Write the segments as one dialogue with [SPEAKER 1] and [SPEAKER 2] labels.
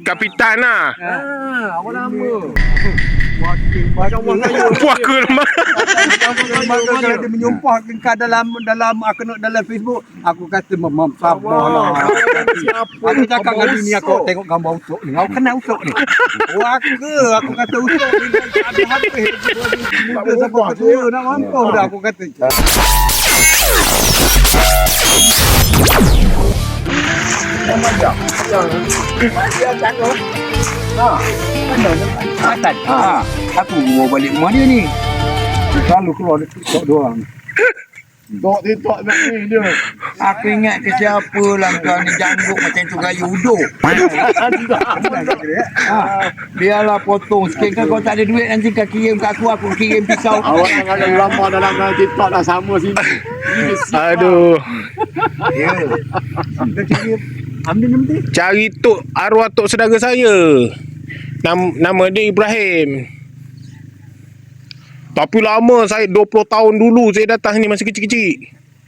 [SPEAKER 1] Kapitan lah.
[SPEAKER 2] Awak nama.
[SPEAKER 1] Puak ke lemah.
[SPEAKER 2] Kalau dia menyumpah kau dalam Facebook, aku kata sabarlah. Aku cakap dengan dia, aku tengok gambar usuk ni. Kau kenal usuk ni? Aku kata usuk ni ada habis. Muka sampai ketua nak mampus dah aku kata.
[SPEAKER 3] Aku bawa balik rumah dia ni.
[SPEAKER 2] Selalu keluar dari TikTok doang.
[SPEAKER 4] TikTok ni dia.
[SPEAKER 3] Aku ingat ke siapa lah kau ni janggut macam tu gaya uduk. Biarlah potong sikit kan kau tak ada duit nanti kau kirim kat aku kirim pisau.
[SPEAKER 4] Awak ada lama dalam TikTok dah sama sini.
[SPEAKER 1] Aduh.
[SPEAKER 3] Ya.
[SPEAKER 2] Ambil nanti.
[SPEAKER 1] Cari tok arwah tok saudara saya. Nama dia Ibrahim. Tapi lama saya 20 tahun dulu saya datang ni masih kecil-kecil.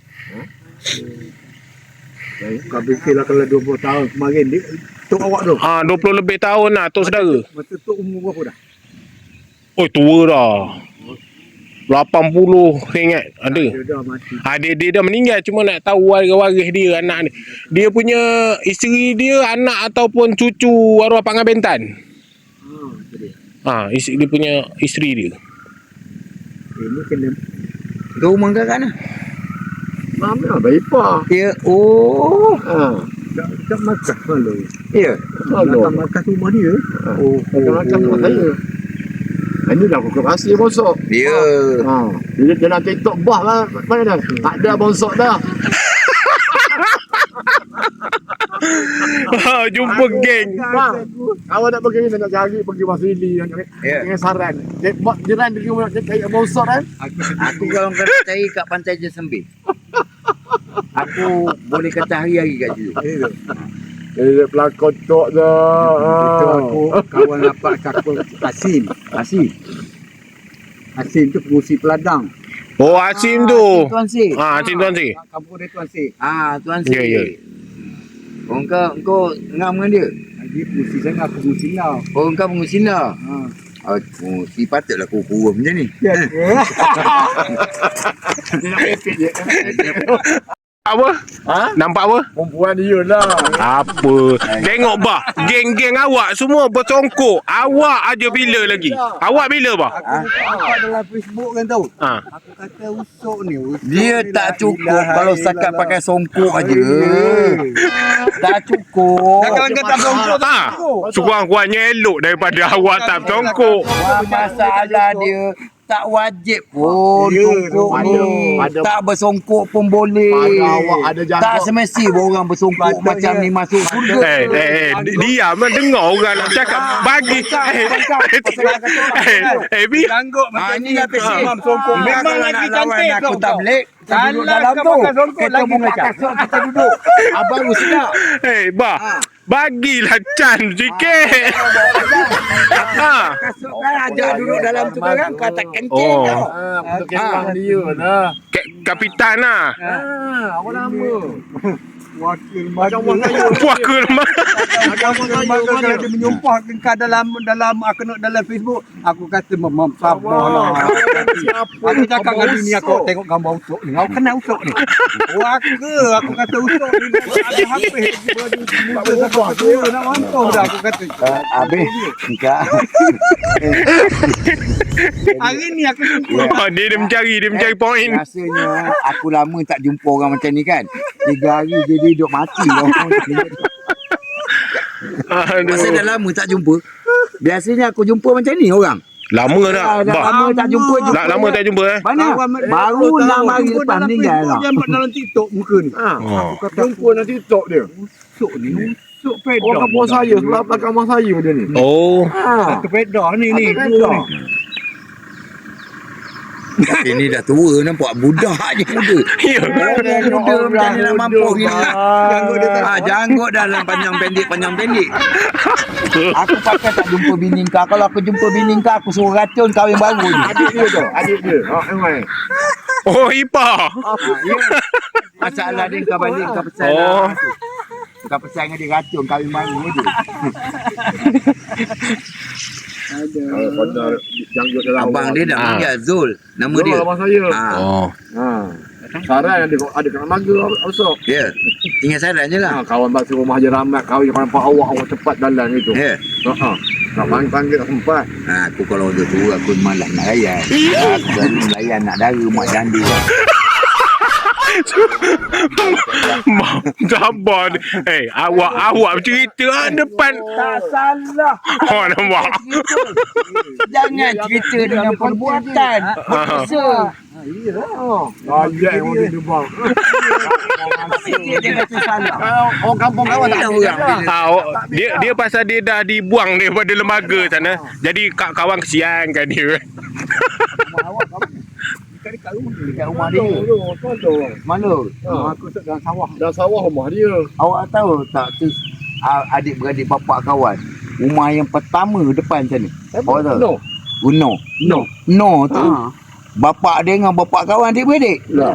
[SPEAKER 2] Kau fikirlah kalau 20 tahun kemarin dia tok awak tu.
[SPEAKER 1] 20 lebih tahun lah tok saudara.
[SPEAKER 2] Masa tok umur berapa dah?
[SPEAKER 1] Oh tua dah. 80 saya ingat ada.
[SPEAKER 2] Dia dah mati.
[SPEAKER 1] Dia dah meninggal cuma nak tahu waris dia anak dia. Dia punya isteri dia anak ataupun cucu arwah Pak Ngabentan.
[SPEAKER 2] Tu dia.
[SPEAKER 1] Dia punya isteri dia.
[SPEAKER 2] Ini kena
[SPEAKER 3] Tu rumah kau kat mana?
[SPEAKER 4] Mana Baipah.
[SPEAKER 3] Ya. Oh.
[SPEAKER 2] tak makan malu.
[SPEAKER 3] Ya.
[SPEAKER 2] Makan rumah dia.
[SPEAKER 4] Makan rumah saya. Ini dah aku rahsia bosok.
[SPEAKER 3] Ya.
[SPEAKER 4] Dia dalam TikTok bah lah. Mana dah? Tak ada bosok dah.
[SPEAKER 1] Jumpa geng.
[SPEAKER 4] Awak nak pergi nak cari pergi Wasili dengan saran. Jiran dia cari bosok kan?
[SPEAKER 3] Aku kalau kau cari kat pantai Jesembe. Aku boleh kata hari-hari kat situ.
[SPEAKER 4] Dia pelakon tok dah.
[SPEAKER 2] Itu aku kawan rapat cakap Asim tu pengusi Peladang.
[SPEAKER 1] Oh Asim tu.
[SPEAKER 3] Tuan Si.
[SPEAKER 1] Asim Tuan Si.
[SPEAKER 2] Kampung dia Tuan Si.
[SPEAKER 3] Tuan Si.
[SPEAKER 1] Ya.
[SPEAKER 3] Kau ngam dengan dia?
[SPEAKER 2] Dia pengusi sana, aku pengusi lah.
[SPEAKER 3] Kau pengusi lah. Si patutlah kau kurus macam ni.
[SPEAKER 2] Ya.
[SPEAKER 1] Apa? Nampak apa?
[SPEAKER 4] Perempuan dia lah.
[SPEAKER 1] Apa? Tengok bah, geng-geng awak semua bersongkok. Awak aja bila lagi? Awak bila bah?
[SPEAKER 2] Aku dalam Facebook kan tahu. Aku kata usuk ni.
[SPEAKER 3] Dia tak cukup kalau setakat pakai songkok aja. Tak cukup.
[SPEAKER 2] Kalau kata songkok tak.
[SPEAKER 1] Sekurang-kurangnya elok daripada awak tak bersongkok.
[SPEAKER 3] Masalah dia tak wajib pun songkok ni. Tak bersongkok pun boleh.
[SPEAKER 4] Awak ada jangkuk.
[SPEAKER 3] Tak semesti orang bersongkok macam ni masuk surga.
[SPEAKER 1] Diam lah dengar orang nak cakap bagi. Bi.
[SPEAKER 2] Janggut
[SPEAKER 3] Ini dah pesi.
[SPEAKER 2] Memang lagi cantik
[SPEAKER 3] aku tak belik. Kita duduk
[SPEAKER 2] Salah
[SPEAKER 3] dalam
[SPEAKER 2] kau
[SPEAKER 3] tu.
[SPEAKER 2] pakai songkok
[SPEAKER 3] Kita
[SPEAKER 2] lagi
[SPEAKER 3] bunga
[SPEAKER 2] tak
[SPEAKER 3] kasut kita duduk. Abang sedap.
[SPEAKER 1] Bah. Bagilah chance sikit.
[SPEAKER 3] Kasut kan ajak duduk dalam tu kan kau tak kencing tau.
[SPEAKER 4] Betul kepang dia lah.
[SPEAKER 1] Kapitan lah.
[SPEAKER 4] Awak nama.
[SPEAKER 2] wakil
[SPEAKER 1] Puak ke lemah.
[SPEAKER 2] kalau dia menyumpah kau dalam Facebook, aku kata sabarlah. Aku cakap dengan dia, aku tengok gambar usuk ni. Kau kenal usuk ni? Aku kata usuk ni ada habis. Muka sampai ketua nak mampus dah aku kata.
[SPEAKER 3] Habis enggak.
[SPEAKER 2] Hari ni aku jumpa.
[SPEAKER 1] Dia mencari poin.
[SPEAKER 3] Rasanya aku lama tak jumpa orang macam ni kan. 3 hari dia duduk mati. Masa dah lama tak jumpa. Biasanya aku jumpa macam ni orang.
[SPEAKER 1] Lama dah.
[SPEAKER 3] Lama tak jumpa.
[SPEAKER 1] Lama tak jumpa
[SPEAKER 3] Mana? Baru 6 hari lepas meninggal lah.
[SPEAKER 2] Dia dalam TikTok muka ni.
[SPEAKER 4] Aku kata jumpa dalam TikTok dia.
[SPEAKER 2] Usuk ni. Usuk pedah.
[SPEAKER 4] Orang kampung saya, sebelah belakang rumah saya dia ni.
[SPEAKER 1] Oh.
[SPEAKER 2] Satu pedah ni.
[SPEAKER 3] Tapi ni dah tua nampak budak je muda.
[SPEAKER 1] Ya.
[SPEAKER 3] Muda macam ni nak mampus ni. Janggut dalam panjang pendek. Aku pakai tak jumpa bini kau. Kalau aku jumpa bini kau, aku suruh racun kahwin baru je.
[SPEAKER 4] Adik dia. Emang.
[SPEAKER 1] Oh, Ipa.
[SPEAKER 3] Masalah dia kau balik kau pesan.
[SPEAKER 1] Oh.
[SPEAKER 3] kau pesan dengan dia racun kahwin baru je.
[SPEAKER 4] Benar janggut dalam
[SPEAKER 3] Abang dia dah panggil Zul. Nama dia.
[SPEAKER 4] abang saya.
[SPEAKER 1] Oh.
[SPEAKER 4] Saran ada kat Maga besok.
[SPEAKER 3] Ya. Tinggal saran je lah.
[SPEAKER 4] Kawan batu rumah je ramai kahwin kau nampak awak cepat jalan gitu.
[SPEAKER 3] Ya.
[SPEAKER 4] Tak panggil tak sempat.
[SPEAKER 3] Aku kalau dia tu aku malas nak layan. Aku selalu layan nak dara mak janda.
[SPEAKER 1] Sabar. Awak bercerita depan.
[SPEAKER 3] Tak salah.
[SPEAKER 1] Oh, nampak.
[SPEAKER 3] Jangan cerita dengan perbuatan. Berdosa.
[SPEAKER 4] Ayat yang orang dia bang.
[SPEAKER 3] Dia kata salah.
[SPEAKER 4] Orang kampung kawan tak
[SPEAKER 3] orang.
[SPEAKER 1] Dia pasal dia dah dibuang daripada lembaga sana. Jadi kawan kesiankan dia.
[SPEAKER 3] Dekat rumah dia. Mana?
[SPEAKER 4] Aku tak dalam sawah. Dalam sawah rumah dia.
[SPEAKER 3] Awak tahu tak tu adik-beradik bapak kawan. Rumah yang pertama depan sana. Awak tahu? No tu. Bapak dia dengan bapak kawan adik-beradik.
[SPEAKER 2] Lah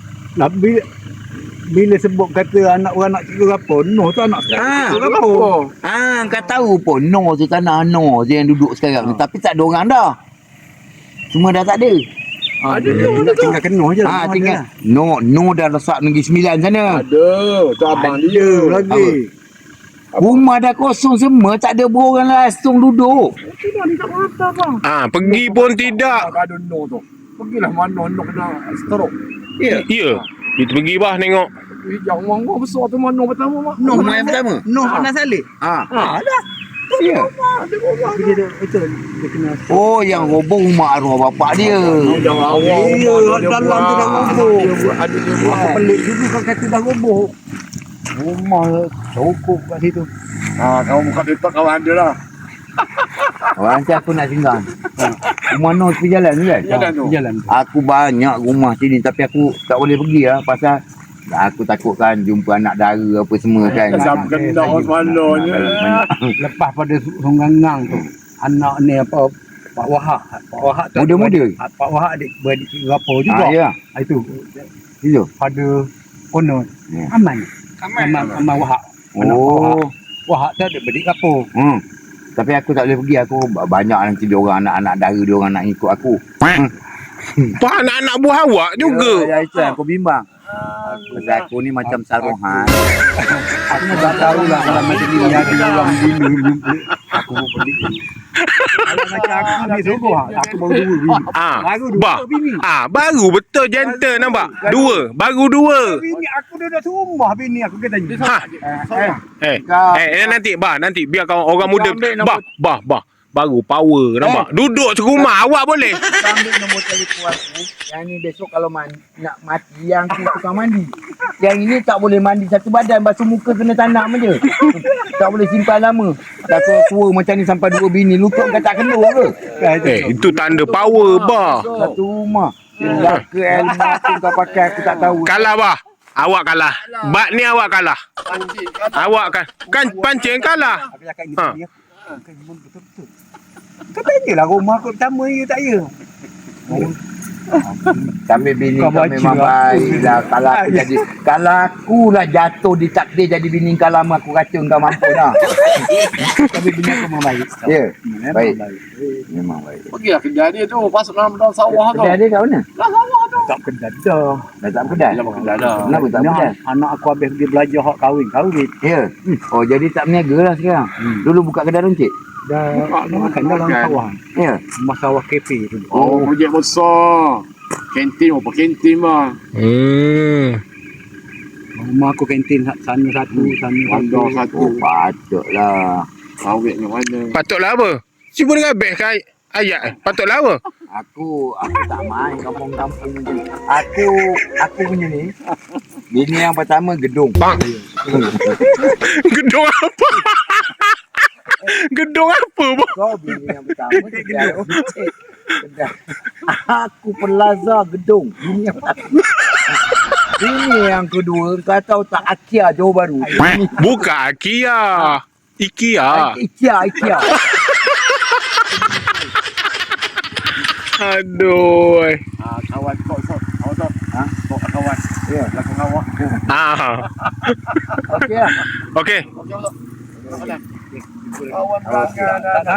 [SPEAKER 2] bila sebut kata anak orang nak cikgu apa, Noh tu anak sekarang.
[SPEAKER 3] Kau tahu pun No tu tanah No je yang duduk sekarang ni. Tapi tak ada orang dah. Semua dah tak ada.
[SPEAKER 2] Ada nak tinggal Kenoh je.
[SPEAKER 3] Tinggal. No dah lesak Negeri Sembilan sana.
[SPEAKER 4] Ada. Tu abang dia.
[SPEAKER 2] Lagi.
[SPEAKER 3] Rumah dah kosong semua, tak ada berorang langsung duduk.
[SPEAKER 1] Pergi pun tidak.
[SPEAKER 4] Tak ada no tu. Pergilah mana no kena stroke.
[SPEAKER 1] Ya. Kita pergi bah tengok.
[SPEAKER 4] Hijau orang besar tu mana pertama mak.
[SPEAKER 3] Rumah yang pertama.
[SPEAKER 2] Noh Anas Saleh.
[SPEAKER 3] Dah. Ya.
[SPEAKER 2] Dia kena.
[SPEAKER 3] Oh, yang roboh rumah arwah bapak dia.
[SPEAKER 4] Dalam
[SPEAKER 2] dalam tu dah roboh.
[SPEAKER 4] Ada dia buat.
[SPEAKER 2] Pelik juga kau kata dah roboh. Rumah cukup kat situ.
[SPEAKER 4] Kau buka TikTok kawan dia lah.
[SPEAKER 3] Orang nanti aku nak singgah. Rumah Noh tepi jalan tu kan?
[SPEAKER 2] Jalan.
[SPEAKER 3] Aku banyak rumah sini tapi aku tak boleh pergi lah pasal aku takutkan jumpa anak dara apa semua kan.
[SPEAKER 4] Sampai kena orang semalanya.
[SPEAKER 2] Lepas pada Sunggangang tu, anak ni apa Pak Wahab tu
[SPEAKER 3] Muda-muda.
[SPEAKER 2] Pak Wahab adik beradik berapa juga.
[SPEAKER 3] Ya.
[SPEAKER 2] Itu
[SPEAKER 3] Itu.
[SPEAKER 2] pada konon Aman Wahab. Anak Pak
[SPEAKER 3] Oh.
[SPEAKER 2] Wahab tu ada beradik apa?
[SPEAKER 3] Tapi aku tak boleh pergi. Aku banyak nanti dia orang anak-anak dara dia orang nak ikut aku.
[SPEAKER 1] Tu anak-anak buah awak juga.
[SPEAKER 3] Ya, itu yang aku bimbang. Aku ni macam saruhan.
[SPEAKER 2] Aku tak tahu lah kalau macam ni ada orang bini. Aku pun pelik. Kalau macam aku ni sungguh aku baru dua bini. Baru dua bini.
[SPEAKER 1] Baru betul gentle nampak. Baru dua.
[SPEAKER 2] Bini aku dah rumah bini aku kata ni.
[SPEAKER 1] Nanti biar kau orang muda. Bah. Baru power nampak. Duduk serumah awak boleh.
[SPEAKER 3] Ambil nombor telefon aku. Yang ni besok kalau nak mati yang tu tukang mandi. Yang ini tak boleh mandi satu badan, basuh muka kena tanam je. Tak boleh simpan lama. Dah tua macam ni sampai dua bini lutut kau tak kena ke?
[SPEAKER 1] Itu tanda power bah.
[SPEAKER 3] Satu rumah. Dah ke ilmu apa kau pakai aku tak tahu.
[SPEAKER 1] Kalah bah. Awak kalah. Bak ni awak kalah. Awak kan pancing kalah.
[SPEAKER 2] Aku cakap ni dia. Betul-betul. Kau tanyalah rumah aku pertama ya tak ya?
[SPEAKER 3] Kami bini
[SPEAKER 2] Kau
[SPEAKER 3] kau memang
[SPEAKER 2] baca
[SPEAKER 3] baik lah. Kalau aku lah jatuh di takdir jadi bini kau lama aku racun kau mampu dah.
[SPEAKER 2] Tapi bini aku memang baik.
[SPEAKER 3] Ya, baik.
[SPEAKER 2] Baik.
[SPEAKER 3] Memang baik.
[SPEAKER 4] Pergilah kedai dia tu. Masuk dalam sawah tu.
[SPEAKER 3] Kedai dia kat mana?
[SPEAKER 4] Dalam sawah tu.
[SPEAKER 2] Tak kedai dah.
[SPEAKER 3] Dah tak kedai?
[SPEAKER 4] Dalam kedai dah.
[SPEAKER 3] Kenapa tak kedai?
[SPEAKER 2] Anak aku habis pergi belajar hak kahwin.
[SPEAKER 3] Ya. Oh, jadi tak berniaga lah sekarang. Dulu buka kedai runcit.
[SPEAKER 2] Dah makan dalam sawah.
[SPEAKER 3] Ya.
[SPEAKER 2] Rumah sawah kafe tu.
[SPEAKER 4] Oh, projek besar. Kantin apa kantin mah.
[SPEAKER 2] Rumah aku kantin sana satu, sana
[SPEAKER 4] Bandar satu.
[SPEAKER 3] Oh, patutlah.
[SPEAKER 4] Kawit yang mana?
[SPEAKER 1] Patutlah apa? Cuba dengan best kan ayat. Patutlah apa?
[SPEAKER 3] Aku tak main kampung-kampung macam ni. Aku punya ni. Bini yang pertama gedung.
[SPEAKER 1] Bang. Gedung apa? Gedung apa bang?
[SPEAKER 3] Kau bini yang pertama kedai runcit. Aku Plaza Gedung. Bini yang pertama. Bini yang kedua kau tahu tak Akia Johor Bahru.
[SPEAKER 1] Bukan IKEA.
[SPEAKER 3] Ikea.
[SPEAKER 1] Aduh.
[SPEAKER 4] Kawan kau Tok.
[SPEAKER 3] Ha?
[SPEAKER 4] Tok kawan.
[SPEAKER 3] Ya.
[SPEAKER 4] Belakang awak.
[SPEAKER 3] Okey lah.
[SPEAKER 1] Okey.
[SPEAKER 4] Okey, Tok. Kawan
[SPEAKER 3] Kawan.